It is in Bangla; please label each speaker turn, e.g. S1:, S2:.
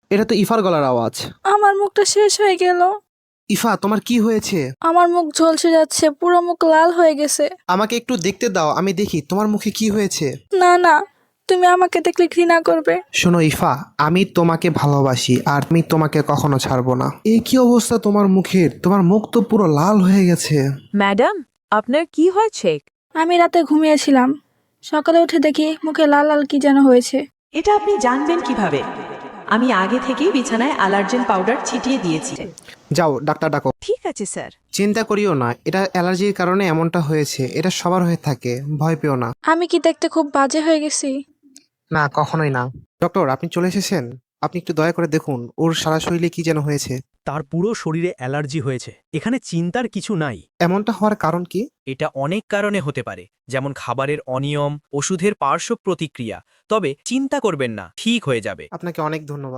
S1: এটা তো ইফার গলার আওয়াজ।
S2: আমার মুখটা শেষ হয়ে গেল।
S1: ইফা, তোমার কি হয়েছে?
S2: আমার মুখ ঝলসে যাচ্ছে, পুরো মুখ লাল হয়ে গেছে।
S1: আমাকে একটু দেখতে দাও, আমি দেখি তোমার মুখে কি হয়েছে।
S2: না না, তুমি আমাকে দেখলে ঘৃণা করবে।
S1: শোনো ইফা, আমি তোমাকে ভালোবাসি আর আমি তোমাকে কখনো ছাড়বো না। এই কি অবস্থা তোমার মুখের? তোমার মুখ তো পুরো লাল হয়ে গেছে।
S3: ম্যাডাম, আপনার কি হয়েছে?
S2: আমি রাতে ঘুমিয়েছিলাম, সকালে উঠে দেখি মুখে লাল লাল কি যেন হয়েছে।
S4: এটা আপনি জানবেন কিভাবে? আমি আগে থেকেই বিছানায় অ্যালার্জেন পাউডার ছিটিয়ে দিয়েছি।
S1: যাও ডাক্তার ডাকো।
S3: ঠিক আছে স্যার।
S1: চিন্তা করিও না, এটা অ্যালার্জির কারণে এমনটা হয়েছে। এটা সবার হয়ে থাকে, ভয় পেও না।
S2: আমি কি দেখতে খুব বাজে হয়ে গেছি?
S1: না, কখনোই না। ডক্টর, আপনি চলে এসেছেন। আপনি একটু দয়া করে দেখুন ওর সারা শরীরে কি যেন হয়েছে।
S5: তার পুরো শরীরে অ্যালার্জি হয়েছে। এখানে চিন্তার কিছু নাই।
S1: এমনটা হওয়ার কারণ কি?
S5: এটা অনেক কারণে হতে পারে, যেমন খাবারের অনিয়ম, ওষুধের পার্শ্ব প্রতিক্রিয়া। তবে চিন্তা করবেন না, ঠিক হয়ে যাবে।
S1: আপনাকে অনেক ধন্যবাদ।